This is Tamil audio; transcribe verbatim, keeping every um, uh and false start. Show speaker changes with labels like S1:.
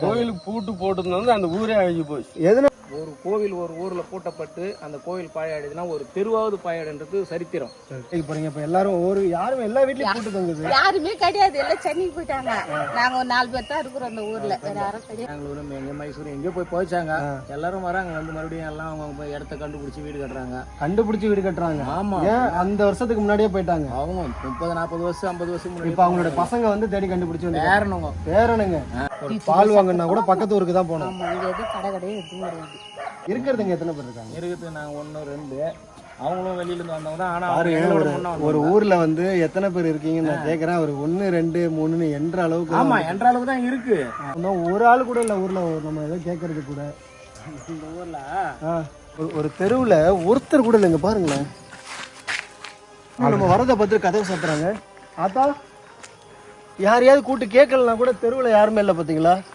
S1: கோயிலுக்கு பூட்டு போட்டுருந்தது அந்த ஊரே அழிஞ்சு போச்சு.
S2: எதுனா
S3: ஒரு கோவில் ஒரு ஊர்ல பூட்டப்பட்டு அந்த கோவில் பாழாயிடுதுன்னா ஒரு தெருவாவது பாழாயிடுன்றது சரித்திரம்.
S2: போறீங்க இப்ப எல்லாரும் ஒரு யாரும் எல்லா வீட்லயும் பூட்டு தங்குது.
S4: யாருமே கிடையாது, எல்லாம் சென்னைக்கு போயிட்டாங்க. நாங்க ஒரு நாலு பேர் தான் இருக்கிறோம் அந்த ஊர்ல, வேற யாரும் கிடையாது.
S3: பெங்களூரு எங்க மைசூர் எங்கேயோ போய் போயிச்சாங்க. எல்லாரும் வராங்க வந்து மறுபடியும் எல்லாம் அவங்க போய் இடத்த கண்டுபிடிச்சி வீடு கட்டுறாங்க.
S2: கண்டுபிடிச்சு வீடு கட்டுறாங்க.
S3: ஆமா,
S2: ஏன் அந்த வருஷத்துக்கு முன்னாடியே போயிட்டாங்க அவங்க.
S3: முப்பது நாற்பது வருஷம் ஐம்பது வருஷம் முன்னாடி.
S2: இப்ப அவங்களோட பசங்க வந்து தேடி கண்டுபிடிச்சு வந்து
S3: பேரனுங்க
S2: பேரனுங்க ஒரு பால் வாங்கினா கூட பக்கத்து ஊருக்கு தான் போனோம்.
S4: ஆமா, இங்க எதுவும் கடை கடையே எதுவும் கிடையாது.
S2: இருக்கிறதுங்க எத்தனை பேர் இருக்காங்க?
S3: இருக்குது நாங்க ஒன்னு ரெண்டு, அவங்களும் வெளியில இருந்து வந்தவங்க தான். ஆனா
S2: ஒரு ஒரு ஊர்ல வந்து எத்தனை பேர் இருக்கீங்கன்னு நான் கேக்குறேன். ஒரு ஒன்னு ரெண்டு மூணுன்னு என்ற அளவுக்கு.
S3: ஆமா, என்ற அளவுக்கு தான் இருக்கு.
S2: ஒரு ஆள் கூட இல்ல ஊர்ல நம்ம ஏதோ கேட்கறது கூட.
S3: இந்த ஊர்ல
S2: ஒரு தெருவுல ஒருத்தர் கூட இல்லைங்க பாருங்களேன். நம்ம வரதை பார்த்து கதவை சாத்துறாங்க. ஆத்தா யாரையாவது கூட்டு கேட்கலன்னா கூட தெருவுல யாருமே இல்லை பாத்தீங்களா?